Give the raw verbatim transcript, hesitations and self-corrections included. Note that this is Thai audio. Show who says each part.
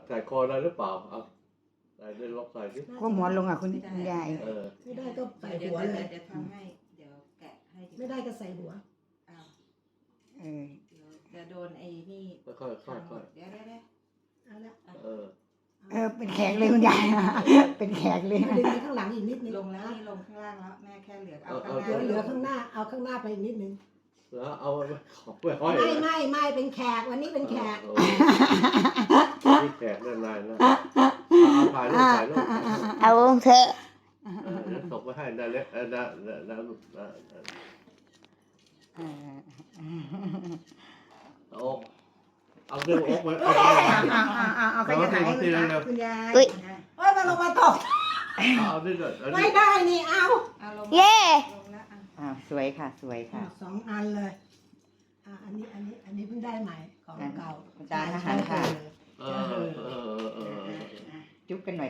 Speaker 1: ใส่คอได้หรือเปล่าเอาใส่ได้ล็อกใส่ดิ
Speaker 2: ก้มหัวลงอ่ะคุณยาย
Speaker 1: เออ
Speaker 3: ไม่ได้ก็ใส่
Speaker 4: เดี๋ยว
Speaker 3: หัว
Speaker 4: เดี๋ยว
Speaker 3: เลย
Speaker 4: เดี๋ยวทำให้เดี๋ยวแกะให้
Speaker 3: ไม่ได้ก็ใส่หัว
Speaker 4: อ้าว
Speaker 2: เออ
Speaker 4: เดี๋ยวจะโดนไอ้นี่
Speaker 1: ค่อยๆค่อยๆค่อย
Speaker 4: เดี๋ยวเดี๋ยวเดี๋ยว
Speaker 3: เอาละ
Speaker 1: ๆเออ
Speaker 2: เออเป็นแขกเลยคุณยาย เป็นแขกเลย
Speaker 3: ดึงไปข้างหลังอีกนิดนึง
Speaker 4: ลงแล้วนี่ลงข้างล่างแล้วแม่แค่เหลือเอา
Speaker 1: เอา
Speaker 4: ข้างหน้า
Speaker 3: เหลือเหลือข้างหน้าเอาข้างหน้าไปอีกนิดนึง
Speaker 1: แล้วเอาไว้ของไว้ห้อย
Speaker 3: ไม่ไม่ไม่เป็นแขกวันนี้เป็นแขก
Speaker 1: เออนี่แขกนานๆนะเอาถ่ายรูปถ่ายรูป
Speaker 2: เอาเถอะ
Speaker 1: เออเดี๋ยวส่งไปให้ได้เล็กเออได้ได้ได้ลูกได้ได้
Speaker 2: เออ
Speaker 1: โอ๊กเอาเรื่องโอ๊กไว้เอา
Speaker 2: เอาเอาเอาเอาใครจะถ่ายให้คุณยายคุณยาย
Speaker 3: เฮ้ยมาลงมาตก
Speaker 1: เอาดิเดี๋ยวเอาดิ
Speaker 3: ไม่ได้นี่เอา
Speaker 4: เอาลง
Speaker 2: เย่
Speaker 4: ลงแล้วอ่ะ
Speaker 2: อ่าสวยค่ะสวยค่ะ
Speaker 3: สองอันเลยอ่าอันนี้อันนี้อันนี้เพิ่งได้ใหม่ของเก่า
Speaker 2: จานอาหารค่ะ
Speaker 1: เออเออเออเออ
Speaker 2: จุ๊บกันหน่อย